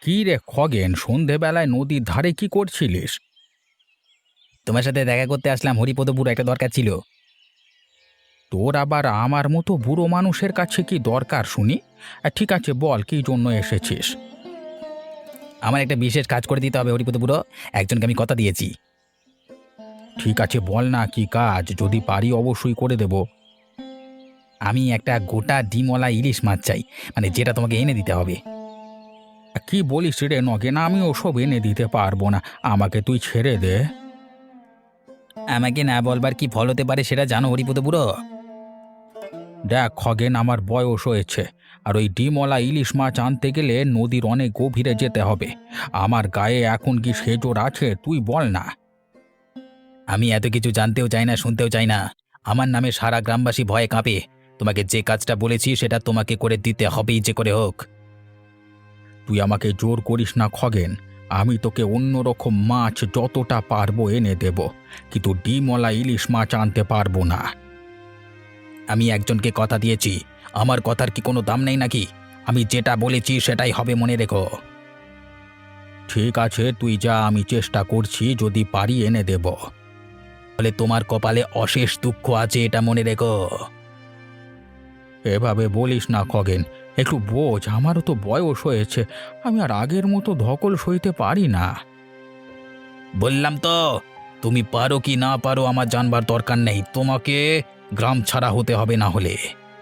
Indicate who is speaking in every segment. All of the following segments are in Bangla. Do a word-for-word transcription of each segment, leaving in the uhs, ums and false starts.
Speaker 1: কি রে খগেন, সন্ধেবেলায় নদীর ধারে কি করছিলিস?
Speaker 2: তোমার সাথে দেখা করতে আসলাম, হরিপদপুর একটা দরকার ছিল।
Speaker 1: তোর আবার আমার মতো বুড়ো মানুষের কাছে কি দরকার শুনি? আহ, ঠিক আছে, বল কি জন্য এসেছিস।
Speaker 2: আমার একটা বিশেষ কাজ করে দিতে হবে হরিপদপুরো, একজনকে আমি কথা দিয়েছি।
Speaker 1: ঠিক আছে, বল না কি কাজ, যদি পারি অবশ্যই করে দেব।
Speaker 2: আমি একটা গোটা ডিমওয়ালা ইলিশ মাছ চাই, মানে যেটা তোমাকে এনে দিতে হবে।
Speaker 1: আহ, কি বলিস রে নগেন, আমি ওসব এনে দিতে পারবো না, আমাকে তুই ছেড়ে দে।
Speaker 2: আমাকে না বলবার কি ফল হতে পারে সেটা জানো হরিপদপুরো?
Speaker 1: দেখ খগেন, আমার বয়স হয়েছে, আর ওই ডিমওয়ালা ইলিশ মাছ আনতে গেলে নদীর অনেক গভীরে যেতে হবে। আমার গায়ে এখন কি সেজোর আছে তুই বল না।
Speaker 2: আমি এত কিছু জানতেও চাই না, শুনতেও চাই না। আমার নামে সারা গ্রামবাসী ভয়ে কাঁপে। তোমাকে যে কাজটা বলেছি সেটা তোমাকে করে দিতে হবেই, যে করে হোক।
Speaker 1: তুই আমাকে জোর করিস না খগেন, আমি তোকে অন্যরকম মাছ যতটা পারবো এনে দেব, কিন্তু ডিমওয়ালা ইলিশ মাছ আনতে পারবো না।
Speaker 2: আমি একজনকে কথা দিয়েছি, আমার কথার কি কোনো দাম নেই নাকি? আমি যেটা বলেছি সেটাই হবে, মনে রেখো।
Speaker 1: ঠিক আছে, তুই যা, আমি চেষ্টা করছি, যদি পারি এনে দেব।
Speaker 2: বলে তোমার কপালে অশেষ দুঃখ আছে, এটা মনে রেখো।
Speaker 1: এভাবে বলিস না খগেন, একটু বোঝ, আমারও তো বয়স হয়েছে, আমি আর আগের মতো ধকল সইতে পারি না।
Speaker 2: বললাম তো, তুমি পারো কি না পারো আমার জানবার দরকার নেই, তোমাকে গ্রাম ছাড়া হতে হবে না হলে।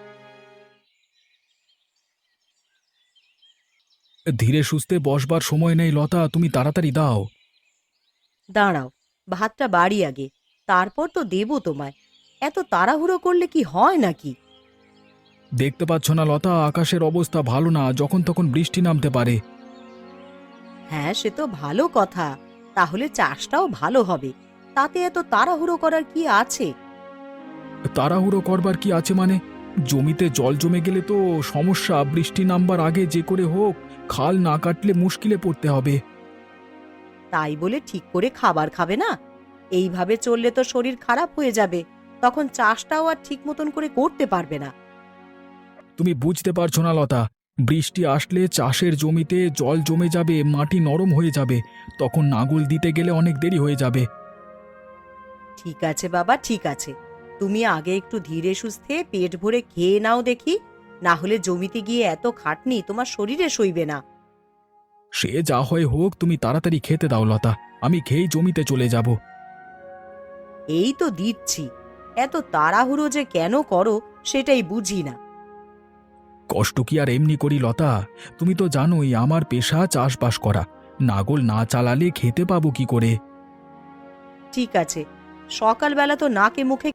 Speaker 1: ধীরে সুস্থে বসবার সময় নেই লতা, তুমি তাড়াতাড়ি দাও।
Speaker 3: দাঁড়াও, ভাতটা বাড়ি আগে, তারপর তো দেবো তোমায়। এত তাড়াহুড়ো করলে কি হয় নাকি?
Speaker 1: দেখতে পাচ্ছ না লতা, আকাশের অবস্থা ভালো না, যখন তখন বৃষ্টি নামতে পারে।
Speaker 3: হ্যাঁ, সে তো ভালো কথা। তাহলে চাষটাও ভালো হবে। তাতে এত তাড়াহুড়ো করার কি আছে?
Speaker 1: তাড়াহুড়ো করবার কি আছে মানে? জমিতে জল জমে গেলে তো সমস্যা, বৃষ্টি নামবার আগে যে করে হোক খাল না কাটলে মুশকিলে পড়তে হবে।
Speaker 3: তাই বলে ঠিক করে খাবার খাবে না? এইভাবে চললে তো শরীর খারাপ হয়ে যাবে। তখন চাষটাও আর ঠিক মতন করে করতে পারবে না।
Speaker 1: তুমি বুঝতে পারছো না লতা, বৃষ্টি আসলে চাষের জমিতে জল জমে যাবে, মাটি নরম হয়ে যাবে, তখন নাঙল দিতে গেলে অনেক দেরি হয়ে যাবে।
Speaker 3: ঠিক আছে বাবা, ঠিক আছে। তুমি আগে একটু ধীরে সুস্থে পেট ভরে খেয়ে নাও দেখি। না হলে জমিতে গিয়ে এত খাটনি তোমার শরীরে সইবে না।
Speaker 1: সে যা হয় হোক, তুমি তাড়াতাড়ি খেতে দাও লতা, আমি খেয়েই জমিতে চলে যাব।
Speaker 3: এই তো দিচ্ছি। এত তাড়াহুড়ো যে কেন করো সেটাই বুঝি না।
Speaker 1: কষ্ট কি আর এমনি করি লতা, তুমি তো জানোই আমার পেশা চাষবাস করা, নাগল না চালালে খেতে পাবো কি করে।
Speaker 3: ঠিক আছে, সকালবেলা তো নাকে মুখে।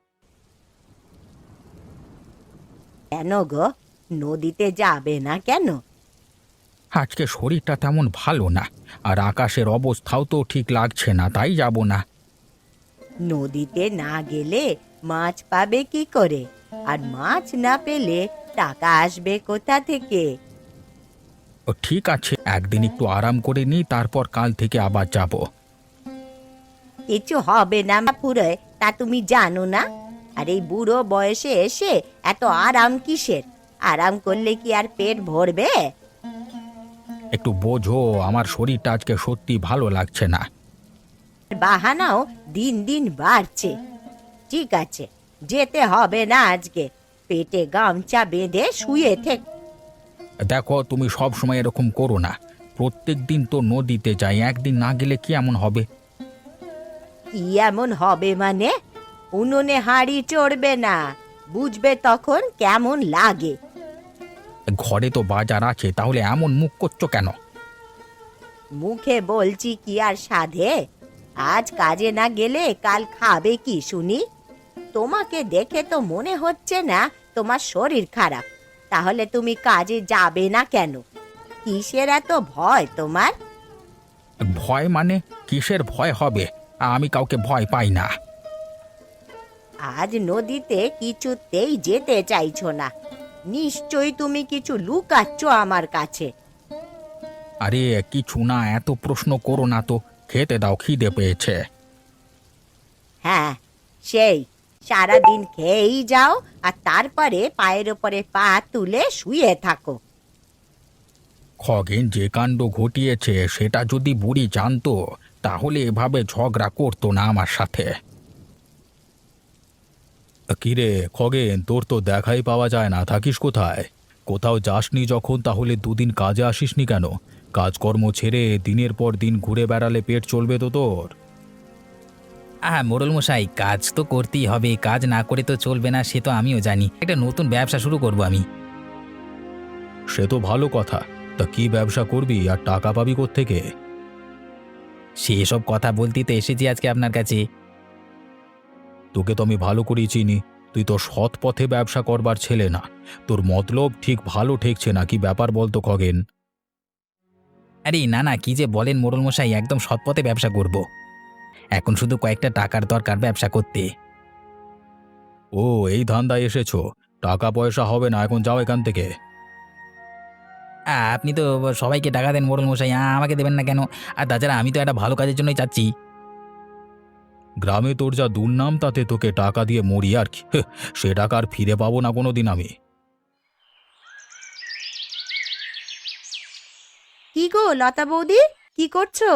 Speaker 3: কেন গো, নদীতে যাবে না কেন?
Speaker 1: আজকে শরীরটা তেমন ভালো না, আর আকাশের অবস্থাও তো ঠিক লাগছে না, তাই যাব না।
Speaker 3: নদীতে না গেলে মাছ পাবে কি করে? আর মাছ না পেলে টাকা আসবে কোথা থেকে?
Speaker 1: ও ঠিক আছে, একদিন একটু আরাম করে নিই, তারপর কাল থেকে আবার যাব।
Speaker 3: কিছু হবে না পুরো, তা তুমি জানো না? আর এই বুড়ো বয়সে এসে এত আরাম কিসের? আরাম করলে কি আর পেট ভরবে?
Speaker 1: একটু বোঝো, আমার শরীরটা আজকে সত্যি ভালো লাগছে না।
Speaker 3: বাহানাও দিন দিন বাড়ছে। ঠিক আছে, যেতে হবে না আজকে। পেটে গামছা বেঁধে শুয়ে থেক।
Speaker 1: দেখো, তুমি সব সময় এরকম করো না, প্রত্যেক দিন তো নদীতে যাই, একদিন না গেলে কি এমন হবে?
Speaker 3: কি এমন হবে মানে? উনুনে হাঁড়ি চড়বে না, বুঝবে তখন কেমন লাগে।
Speaker 1: ঘরে তো বাজার আছে, তাহলে এমন মুখ করছো কেন?
Speaker 3: মুখে বলছি কি আর সাধে? আজ কাজে না গেলে কাল খাবে কি শুনি? তোমাকে দেখে তো মনে হচ্ছে না তোমার শরীর খারাপ। তাহলে তুমি কাজে যাবে না কেন? কিসের এত ভয় তোমার?
Speaker 1: ভয় মানে? কিসের ভয় হবে? আমি কাউকে ভয় পাই না।
Speaker 3: আজ নদীতে কিছুতেই যেতে চাইছো না। নিশ্চয়ই তুমি কিছু লুকাচ্ছ আমার কাছে।
Speaker 1: আরে কিছু না, এত প্রশ্ন করো না তো, খেতে দাও, খিদে পেয়েছে।
Speaker 3: হ্যাঁ, সেই সারাদিন খেয়েই যাও আর তারপরে পায়ের ওপরে পা তুলে শুয়ে থাকো।
Speaker 1: খগেন যে কাণ্ড ঘটিয়েছে সেটা যদি বুড়ি জানতো তাহলে এভাবে ঝগড়া করতো না আমার সাথে। কিরে খগেন, তোর তো দেখাই পাওয়া যায় না, থাকিস কোথায়? কোথাও যাসনি যখন তাহলে দুদিন কাজে আসিসনি কেন? কাজকর্ম ছেড়ে দিনের পর দিন ঘুরে বেড়ালে পেট চলবে তো তোর?
Speaker 2: আহ মোড়ল মশাই, কাজ তো করতেই হবে, কাজ না করে তো চলবে না, সে তো আমিও জানি। একটা নতুন ব্যবসা শুরু করব আমি।
Speaker 1: সে তো ভালো কথা, তা কি ব্যবসা করবি আর টাকা পাবি কোত্থেকে?
Speaker 2: সেসব কথা বলতেই তো এসেছি আজকে আপনার কাছে।
Speaker 1: তোকে তো আমি ভালো করেই চিনি, তুই তো সৎ পথে ব্যবসা করবার ছেলে না। তোর মতলব ঠিক ভালো ঠেকছে না, কি ব্যাপার বলতো খগেন?
Speaker 2: আরে না না, কি যে বলেন মোড়ল মশাই, একদম সৎপথে ব্যবসা করব। এখন শুধু কয়েকটা টাকার দরকার ব্যবসা করতে।
Speaker 1: ও, এই ধান্দায় এসেছো? টাকা পয়সা হবে না, এখন যাও এখান থেকে।
Speaker 2: আ, আপনি তো সবাইকে টাকা দেন মোড়ল মশাই, আ, আমাকে দেবেন না কেন? আর তাছাড়া আমি তো একটা ভালো কাজের জন্যই চাচ্ছি।
Speaker 1: গ্রামে তোর যা দুর্নাম, তাতে তোকে টাকা দিয়ে মরি আর কি। হেহ, সে টাকা আর ফিরে পাবো না কোনোদিন আমি।
Speaker 3: কি গো লতা বৌদি, কি করছো?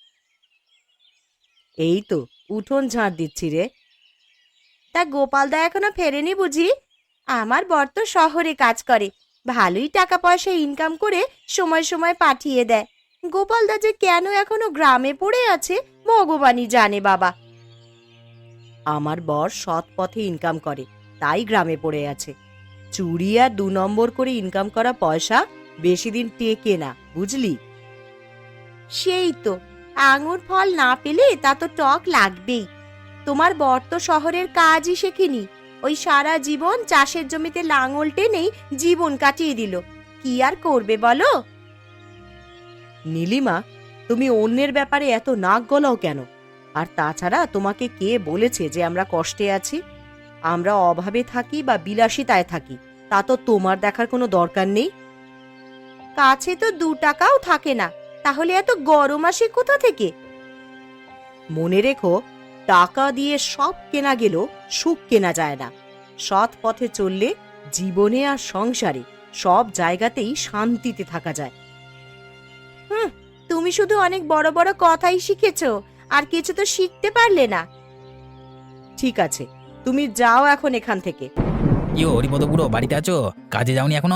Speaker 3: এই তো উঠোন ঝাড় দিচ্ছি রে। তা গোপালদা এখনো ফেরেনি বুঝি? আমার বর তো শহরে কাজ করে, ভালোই টাকা পয়সা ইনকাম করে সময় সময় পাঠিয়ে দেয়। গোপালদা যে কেন এখনো গ্রামে পড়ে আছে ভগবানই জানে বাবা। আমার বর সৎ পথে ইনকাম করে, তাই গ্রামে পড়ে আছে। চুরি আর দু নম্বর করে ইনকাম করা পয়সা বেশি দিন টেকে না, বুঝলি? সেই তো, আঙুর ফল না পেলে তা তো টক লাগবেই। তোমার বর তো শহরের কাজই শেখেনি, ওই সারা জীবন চাষের জমিতে লাঙল টেনেই জীবন কাটিয়ে দিল। কি আর করবে বলো? নীলিমা, তুমি অন্যের ব্যাপারে এত নাক গলাও কেন? আর তাছাড়া তোমাকে কে বলেছে যে আমরা কষ্টে আছি? আমরা অভাবে থাকি বা বিলাসিতায় থাকি, তা তো তোমার দেখার কোনো দরকার নেই। কাছে তো দু টাকাও থাকে না, তাহলে এত গরম আসে কোথা থেকে? মনে রেখো, টাকা দিয়ে সব কেনা গেলেও সুখ কেনা যায় না। সৎ পথে চললে জীবনে আর সংসারে সব জায়গাতেই শান্তিতে থাকা যায়। হুম, তুমি শুধু অনেক বড় বড় কথাই শিখেছো, আর কিছু তো শিখতে পারলে না। ঠিক আছে, তুমি যাও এখন এখান থেকে।
Speaker 2: কি হরিপদ বুড়ো, বাড়িতে আছো? কাজে যাওনি এখনো?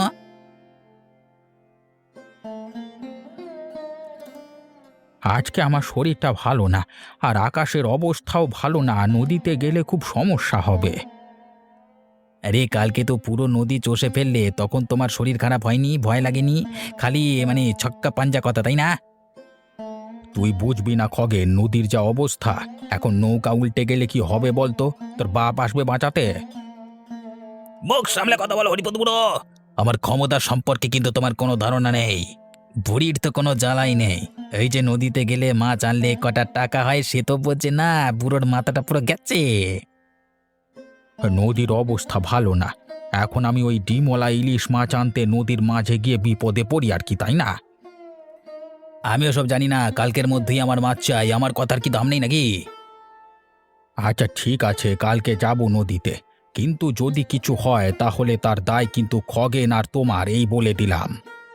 Speaker 1: আজকে আমার শরীরটা ভালো না, আর আকাশের অবস্থাও ভালো না, নদীতে গেলে খুব সমস্যা হবে।
Speaker 2: আরে কালকে তো পুরো নদী চষে ফেললে, তখন তোমার শরীর খারাপ হয়নি? ভয় লাগেনি? খালি মানে ছক্কা পাঞ্জা কথা, তাই না?
Speaker 1: তুই বুঝবি না খগেন, নদীর যা অবস্থা, এখন নৌকা উল্টে গেলে কি হবে বলতো? তোর বাপ আসবে বাঁচাতে?
Speaker 2: মুখ সামলে কথা বলো হরিপদ বুড়ো, আমার ক্ষমতা সম্পর্কে কিন্তু তোমার কোনো ধারণা নেই। বুড়ির তো কোনো জ্বালাই নেই, এই যে নদীতে গেলে মাছ আনলে কটা টাকা হয় সে তো বোঝে না, বুড়োর মাথাটা পুরো গেছে।
Speaker 1: নদীর অবস্থা ভালো না, এখন আমি ওই ডিমওয়ালা ইলিশ মাছ আনতে নদীর মাঝে গিয়ে বিপদে পড়ি আর কি, তাই না?
Speaker 2: আমিও সব জানি না, কালকের মধ্যেই আমার মাছ চাই, আমার কথার কি দাম নেই নাকি?
Speaker 1: আচ্ছা ঠিক আছে, কালকে যাব নদীতে, কিন্তু যদি কিছু হয় তাহলে তার দায় কিন্তু খগেন আর তোমার, এই বলে দিলাম।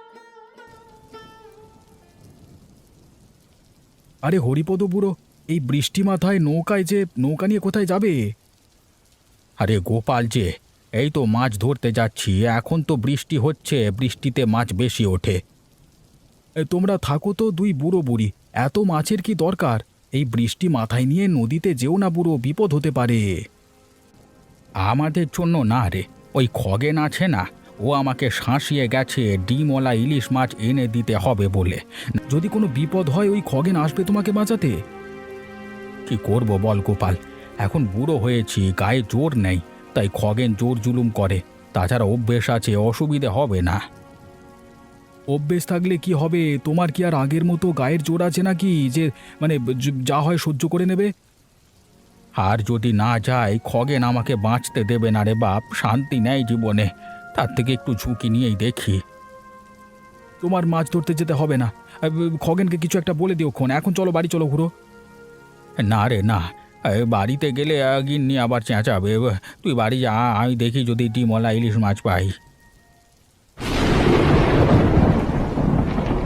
Speaker 1: আরে হরিপদ বুড়ো, এই বৃষ্টি মাথায় নৌকায় যে নৌকা নিয়ে কোথায় যাবে? আরে গোপাল যে, এই তো মাছ ধরতে যাচ্ছি, এখন তো বৃষ্টি হচ্ছে, বৃষ্টিতে মাছ বেশি ওঠে। এ, তোমরা থাকো তো দুই বুড়ো বুড়ি, এত মাছের কি দরকার? এই বৃষ্টি মাথায় নিয়ে নদীতে যেও না বুড়ো, বিপদ হতে পারে। আমাদের জন্য না রে, ওই খগেন আছে না, ও আমাকে শাঁসিয়ে গেছে ডিমওয়ালা ইলিশ মাছ এনে দিতে হবে বলে। যদি কোনো বিপদ হয় ওই খগেন আসবে তোমাকে বাঁচাতে। কি করব বল গোপাল, এখন বুড়ো হয়েছি, গায়ে জোর নেই, তাই খগেন জোর জুলুম করে। তাছাড়া অভ্যেস আছে, অসুবিধে হবে না। অভ্যেস থাকলে কি হবে? তোমার কি আর আগের মতো গায়ের জোর আছে নাকি যে মানে য- যা হয় সহ্য করে নেবে? আর যদি না যায়, খগেন আমাকে বাঁচতে দেবে না রে বাপ, শান্তি নেই জীবনে, তার থেকে একটু ঝুঁকি নিয়েই দেখি। তোমার মাছ ধরতে যেতে হবে না, আহ, খগেনকে কিছু একটা বলে দিও ক্ষণ, এখন চলো বাড়ি চলো ঘুরো। না রে না, এ, বাড়িতে গেলে আহ, গিন্নি আবার চেঁচাবে। তুই বাড়ি যা, আমি দেখি যদি ডিমওয়ালা ইলিশ মাছ পাই।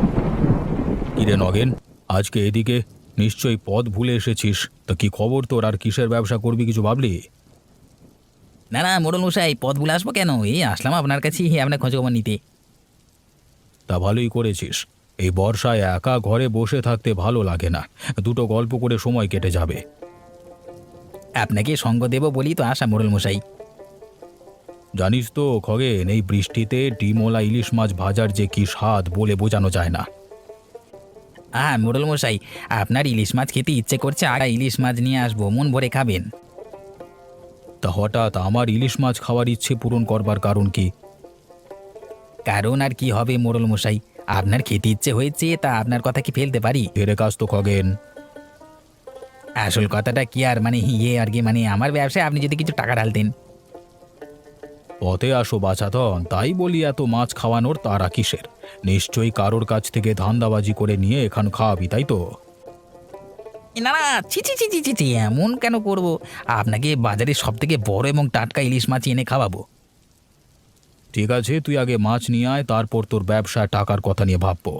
Speaker 1: কিরে নগেন, আজকে এদিকে নিশ্চয়ই পথ ভুলে এসেছিস। তা কি খবর তোর? আর কিসের ব্যবসা করবি, কিছু ভাবলি?
Speaker 2: না না মোড়ল মশাই, পথ ভুলে আসবো কেন? এই আসলাম আপনার কাছে আপনার খোঁজ খবর নিতে।
Speaker 1: তা ভালোই করেছিস। এই বর্ষায় একা ঘরে বসে থাকতে ভালো লাগে না, দুটো গল্প করে সময় কেটে যাবে।
Speaker 2: আপনাকে সঙ্গ দেব বলি তো আসা মোড়ল মশাই।
Speaker 1: জানিস তো খগেন, এই বৃষ্টিতে ডিমওয়ালা ইলিশ মাছ ভাজার যে কি স্বাদ বলে বোঝানো যায় না।
Speaker 2: হ্যাঁ মোড়ল মশাই, আপনার ইলিশ মাছ খেতে ইচ্ছে করছে, আর ইলিশ মাছ নিয়ে আসবো, মন ভরে খাবেন।
Speaker 1: তা হঠাৎ আমার ইলিশ মাছ খাওয়ার ইচ্ছে পূরণ করবার কারণ কি?
Speaker 2: কারণ আর কি হবে মোড়ল মশাই, আপনার খেতে ইচ্ছে হয়েছে, তা আপনার কথা কি ফেলতে পারি?
Speaker 1: ফেরে কাজ তো খগেন।
Speaker 2: আসল কথাটা কি আর মানে ইয়ে আর কি, মানে আমার ব্যবসায় আপনি যদি কিছু টাকা ঢালতেন।
Speaker 1: পথে আসো বাছাধন, তাই বলি এত মাছ খাওয়ানোর তারা কিসের? নিশ্চয়ই কারোর কাছ থেকে ধান্দাবাজি করে নিয়ে এখান খাওয়াবি, তাই তো?
Speaker 2: না না, ছি ছি ছি ছি ছি ছি, এমন কেন করব? আপনাকে বাজারের সব থেকে বড় এবং টাটকা ইলিশ মাছ এনে খাওয়াবো।
Speaker 1: ঠিক আছে, তুই আগে মাছ নিয়ে আয়, তারপর তোর ব্যবসায় টাকার কথা নিয়ে ভাববো।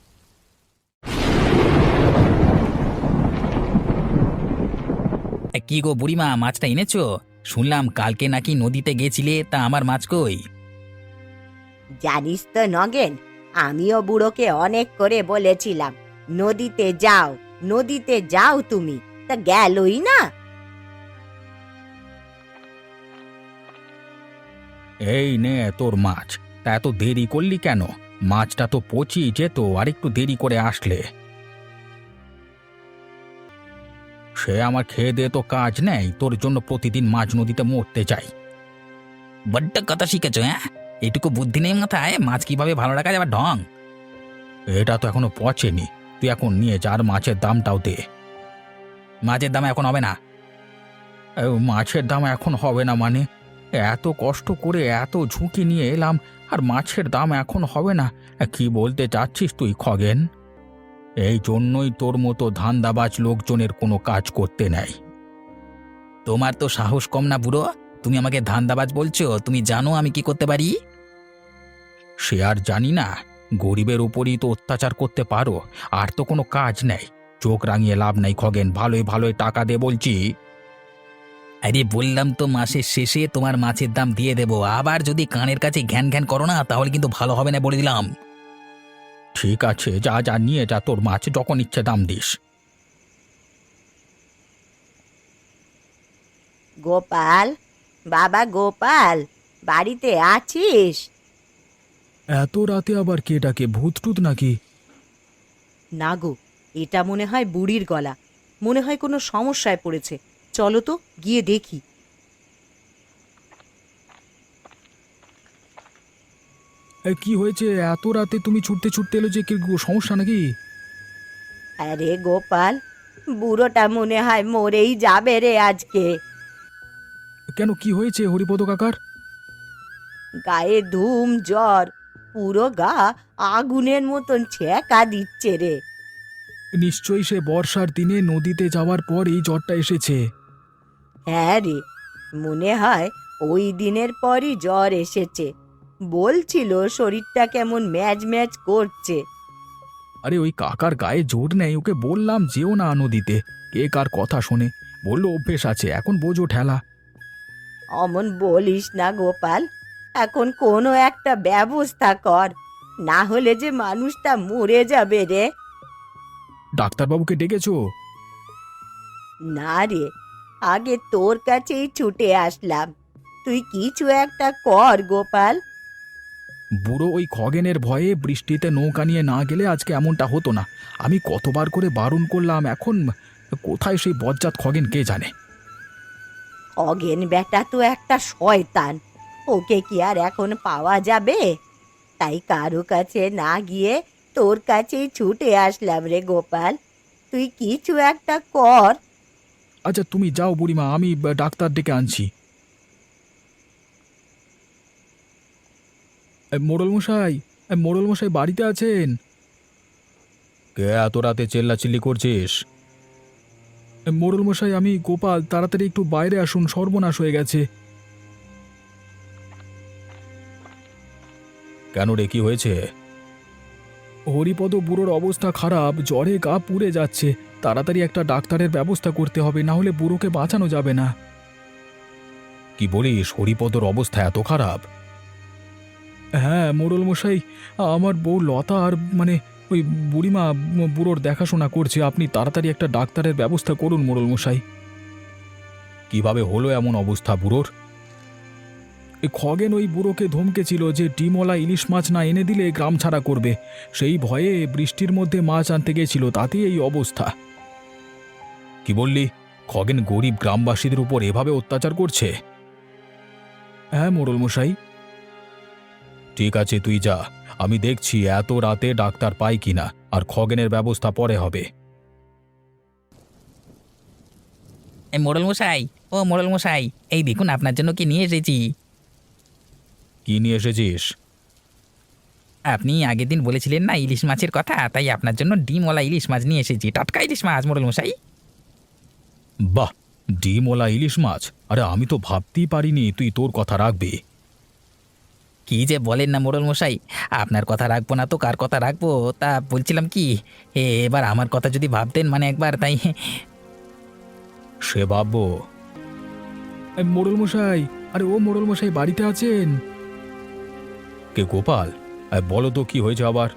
Speaker 2: এ, কি গো বুড়িমা, মাছটা এনেছো? শুনলাম কালকে নাকি নদীতে গেছিলে, তা আমার মাছ কই?
Speaker 3: জানিস তো নগেন, আমিও বুড়োকে অনেক করে বলেছিলাম নদীতে যাও, নদীতে যাও তুমি, তা গেলই না।
Speaker 1: এই নে তোর মাছ। তা এত দেরি করলি কেন? মাছটা তো পচি যেত আর একটু দেরি করে আসলে। সে আমার খেয়ে দিয়ে তো কাজ নেই, তোর জন্য প্রতিদিন মাছ নদীতে মরতে চাই।
Speaker 2: বড্ড কথা শিখেছো, হ্যাঁ? এটুকু বুদ্ধি নেই মাথায়, মাছ কিভাবে ভালো রাখা যাবে ঢং।
Speaker 1: এটা তো এখনো পচেনি, তুই এখন নিয়ে যা, আর মাছের দামটাও দে।
Speaker 2: মাছের দাম এখন হবে না।
Speaker 1: এ, মাছের দাম এখন হবে না মানে? এত কষ্ট করে এত ঝুঁকি নিয়ে এলাম, আর মাছের দাম এখন হবে না? এ, কি বলতে চাচ্ছিস তুই খগেন? এই জন্যই তোর মতো ধান্দাবাজ লোকজনের কোনো কাজ করতে নেই।
Speaker 2: তোমার তো সাহস কম না বুড়ো, তুমি আমাকে ধান্দাবাজ বলছো? তুমি জানো আমি কি করতে পারি?
Speaker 1: সে আর জানি না, গরিবের উপরই তো অত্যাচার করতে পারো, আর তো কোনো কাজ নেই। চোখ রাঙিয়ে লাভ নাই খগেন, ভালোই ভালোই টাকা দে বলছি।
Speaker 2: আরে বললাম তো মাসের শেষে তোমার মাছের দাম দিয়ে দেবো, আবার যদি কানের কাছে ঘ্যান ঘ্যান করো না তাহলে কিন্তু ভালো হবে না বলে দিলাম।
Speaker 1: ঠিক আছে, যা যা নিয়ে যা, তোর মাছ যখন ইচ্ছে দাম দিস।
Speaker 3: গোপাল, বাবা গোপাল, বাড়িতে আছিস?
Speaker 1: এত রাতে আবার কে ডাকে? ভূত টুত নাকি?
Speaker 4: না গো, এটা মনে হয় বুড়ির গলা। মনে হয় কোনো সমস্যায় পড়েছে। চলো তো গিয়ে দেখি।
Speaker 1: এ, কি হয়েছে এত রাতে তুমি ছুটতে ছুটতে এলো যে? কি সমস্যা নাকি?
Speaker 3: আরে গোপাল, বুড়োটা মনে হয় মরেই যাবে রে আজকে।
Speaker 1: কেন, কি হয়েছে হরিপদ কাকার?
Speaker 3: গায়ে ধুম জ্বর, পুরো গা আগুনের মতন ছ্যাঁকা দিচ্ছে রে।
Speaker 1: নিশ্চয়ই সে বর্ষার দিনে নদীতে যাওয়ার পর এই জ্বরটা এসেছে।
Speaker 3: হ্যাঁ রে, মনে হয় ওই দিনের পরই জ্বর এসেছে। বলছিল শরীরটা কেমন ম্যাজ ম্যাজ করছে।
Speaker 1: আরে ওই কাকার গায়ে জোর নেই, ওকে বললাম যেও না নদীতে, কে কার কথা শোনে? বললো অভ্যেস আছে, এখন বোঝো ঠেলা।
Speaker 3: অমন বলিস না গোপাল, এখন কোনো একটা ব্যবস্থা কর, না হলে যে মানুষটা মরে যাবে রে।
Speaker 1: ডাক্তারবাবুকে ডেকেছো?
Speaker 3: না রে, আগে তোর কাছেই ছুটে আসলাম, তুই কিছু একটা কর গোপাল।
Speaker 1: বুড়ো ওই খগেনের ভয়ে বৃষ্টিতে নৌকা নিয়ে না গেলে আজকে এমনটা হতো না। আমি কতবার করে বারণ করলাম, এখন কোথায় সেই বজ্জাত খগেন কে জানে।
Speaker 3: অগেন বেটা তো একটা শয়তান, ওকে কি আর এখন পাওয়া যাবে? তাই কারো কাছে না গিয়ে তোর কাছেই ছুটে আসলাম রে গোপাল, তুই কিছু একটা কর।
Speaker 1: আচ্ছা তুমি যাও বুড়িমা, আমি ডাক্তার ডেকে আনছি। মোড়ল মশাই, মোড়ল মশাই বাড়িতে আছেন? কে এত রাতে চেল্লাচিল্লি করছিস? মোড়ল মশাই, আমি গোপাল, তাড়াতাড়ি একটু বাইরে আসুন, সর্বনাশ হয়ে গেছে। কেন রে, কি হয়েছে? হরিপদ বুড়োর অবস্থা খারাপ, জ্বরে গা পুড়ে যাচ্ছে। তাড়াতাড়ি একটা ডাক্তারের ব্যবস্থা করতে হবে, না হলে বুড়োকে বাঁচানো যাবে না। কি বলিস, হরিপদর অবস্থা এত খারাপ? হ্যাঁ মোড়ল মশাই, আমার বউ লতা আর মানে ওই বুড়িমা ম- বুড়োর দেখাশোনা করছে। আপনি তাড়াতাড়ি একটা ডাক্তারের ব্যবস্থা করুন মোড়ল মশাই। কিভাবে হলো এমন অবস্থা বুড়োর? এই খগেন ওই বুড়োকে ধমকেছিল যে ডিমওয়ালা ইলিশ মাছ না এনে দিলে গ্রাম ছাড়া করবে। সেই ভয়ে বৃষ্টির মধ্যে মাছ আনতে গেছিল, তাতেই এই অবস্থা। কি বললি? খগেন গরিব গ্রামবাসীদের উপর এভাবে অত্যাচার করছে? হ্যাঁ মোড়ল মশাই। ঠিক আছে, তুই যা, আমি দেখছি এত রাতে ডাক্তার পাই কিনা, আর খগেনের ব্যবস্থা পরে হবে।
Speaker 2: এই মোড়ল মশাই, ও মোড়ল মশাই, এই দেখুন আপনার জন্য কি নিয়ে এসেছি।
Speaker 1: কি নিয়ে এসেছিস?
Speaker 2: আপনি আগের দিন বলেছিলেন না ইলিশ মাছের কথা, তাই আপনার জন্য ডিমওয়ালা ইলিশ মাছ নিয়ে এসেছি। টাটকা ইলিশ মাছ মোড়ল মশাই।
Speaker 1: বাহ, ডিমওয়ালা ইলিশ মাছ! আরে আমি তো ভাবতেই পারিনি তুই তোর কথা রাখবি।
Speaker 2: কি যে বলেন না মোড়ল মশাই, আপনার কথা রাখবো না তো কার কথা রাখবো? তা বলছিলাম কি, এ এবার আমার কথা যদি ভাবতেন মানে একবার, তাই।
Speaker 1: সে ভাববো। এ, মোড়ল মশাই, আরে ও মোড়ল মশাই বাড়িতে আছেন? কে গোপাল? এ, বলো তো কি হয়েছে আবার?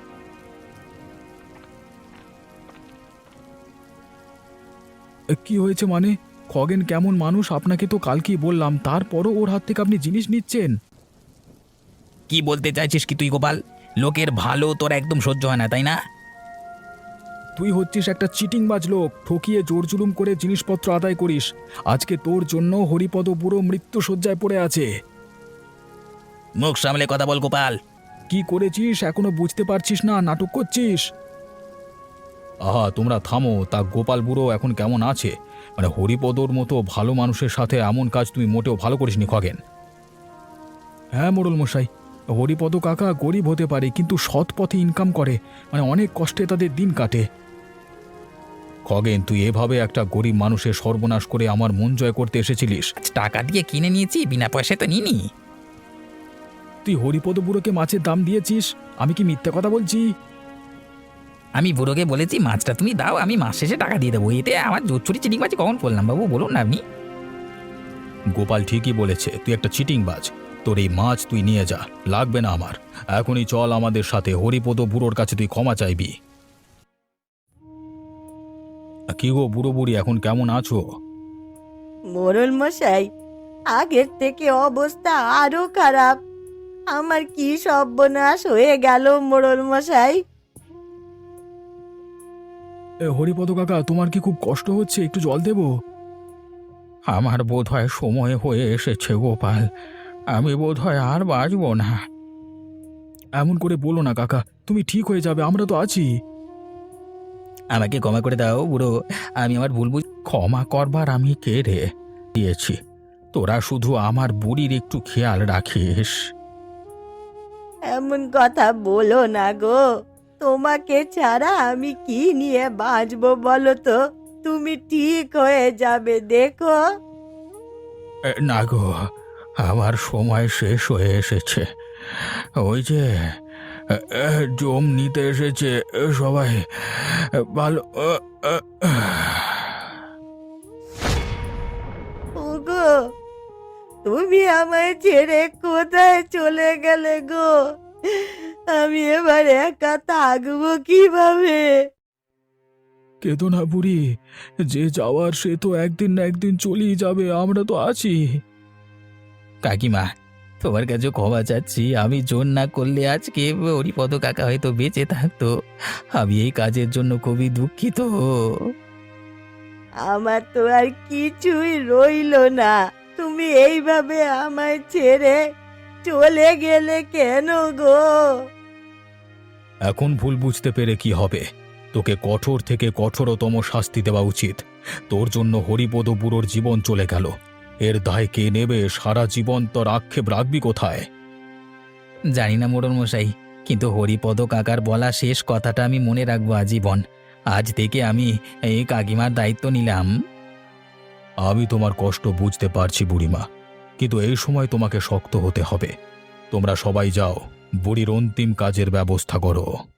Speaker 1: এ, কি হয়েছে মানে? খগেন কেমন মানুষ আপনাকে তো কালকেই বললাম, তারপরও ওর হাত থেকে আপনি জিনিস নিচ্ছেন?
Speaker 2: কি বলতে চাইছিস কি তুই গোপাল? লোকের ভালো তোর একদম সহ্য হয় না, তাই না?
Speaker 1: তুই হচ্ছিস একটা চিটিংবাজ লোক, ঠকিয়ে জোর জুলুম করে জিনিসপত্র আদায় করিস। আজকে তোর জন্য হরিপদ বুড়ো মৃত্যু শয্যায় পড়ে আছে।
Speaker 2: মুখ সামলে কথা বল গোপাল।
Speaker 1: কি করেছিস এখনো বুঝতে পারছিস না? নাটক করছিস? আহা, তোমরা থামো। তা গোপাল বুড়ো এখন কেমন আছে? মানে হরিপদর মতো ভালো মানুষের সাথে এমন কাজ তুমি মোটেও ভালো করিসনি খগেন। হ্যাঁ মোড়ল মশাই, হরিপদ কাকা গরিব হতে পারে কিন্তু সৎ পথে ইনকাম করে, মানে অনেক কষ্টে তাদের দিন কাটে। খগেন, তুই এভাবে একটা গরিব মানুষের সর্বনাশ করে আমার মন জয় করতে এসেছিলিস?
Speaker 2: টাকা দিয়ে কিনে নিয়েছি, বিনা পয়সায় তো নিইনি।
Speaker 1: তুই হরিপদ বুড়োকে মাছের দাম দিয়েছিস? আমি কি মিথ্যে কথা বলছি?
Speaker 2: আমি বুড়োকে বলেছি মাছটা তুমি দাও, আমি মাস শেষে টাকা দিয়ে দেবো। এতে আমার জোর চুরি চিটিং মাছ কখন বললাম বাবু, বলুন না আপনি।
Speaker 1: গোপাল ঠিকই বলেছে, তুই একটা চিটিংবাজ। তোর এই মাছ তুই নিয়ে যা, লাগবে না আমার। এখনই চল আমাদের সাথে, হরিপদ বুড়োর কাছে তুই ক্ষমা চাইবি। কি গো বুড়ো বুড়ি, এখন কেমন আছো?
Speaker 3: মোড়ল মশাই, আগের থেকে অবস্থা আরো খারাপ। আমার কি সর্বনাশ হয়ে গেল মোড়ল মশাই।
Speaker 1: এ, হরিপদ কাকা, তোমার কি খুব কষ্ট হচ্ছে? একটু জল দেবো? আমার বোধ হয় সময় হয়ে এসেছে গোপাল, আমি বোধ হয় আর বাঁচব না। এমন করে বলো না কাকা, তুমি ঠিক হয়ে যাবে, আমরা তো আছি।
Speaker 2: আমাকে ক্ষমা করে দাও বুড়ো, আমি আমার ভুল বুঝ।
Speaker 1: ক্ষমা করবার আমি কে রে? দিয়েছি, তোরা শুধু আমার বুড়ির একটু খেয়াল রাখিস।
Speaker 3: এমন কথা বলো না গো, তোমাকে ছাড়া আমি কি নিয়ে বাঁচবো বলো তো? তুমি ঠিক হয়ে যাবে, দেখো।
Speaker 1: এ, না গো, আমার সময় শেষ হয়ে এসেছে। ওই যে এ, এ, জম নিতে এসেছে এ, সবাই। এ, ভালো এ, এ,
Speaker 3: ওগো, তুমি আমায় ছেড়ে কোথায় চলে গেলে গো? আমি এবার একা থাকবো কিভাবে?
Speaker 1: কেঁদো না বুড়ি, যে যাওয়ার সে তো একদিন না একদিন চলেই যাবে, আমরা তো আছি।
Speaker 2: কাকিমা, তোমার কাছে ক্ষমা চাচ্ছি। আমি জোর না করলে আজকে হরিপদ কাকা হয়তো বেঁচে থাকতো। আমি এই কাজের জন্য খুবই দুঃখিত।
Speaker 3: আমার তো আর কিছুই রইলো না। তুমি এইভাবে আমায় ছেড়ে চলে গেলে কেন গো?
Speaker 1: এখন ভুল বুঝতে পেরে কি হবে? তোকে কঠোর থেকে কঠোরতম শাস্তি দেওয়া উচিত। তোর জন্য হরিপদ বুড়োর জীবন চলে গেল, এর দায় কে নেবে? সারা জীবন তোর আক্ষেপ রাখবি কোথায়?
Speaker 2: জানি না মোড়ল মশাই, কিন্তু হরিপদ কাকার বলা শেষ কথাটা আমি মনে রাখবো আজীবন। আজ থেকে আমি এই কাকিমার দায়িত্ব নিলাম।
Speaker 1: আমি তোমার কষ্ট বুঝতে পারছি বুড়িমা, কিন্তু এই সময় তোমাকে শক্ত হতে হবে। তোমরা সবাই যাও, বুড়ির অন্তিম কাজের ব্যবস্থা করো।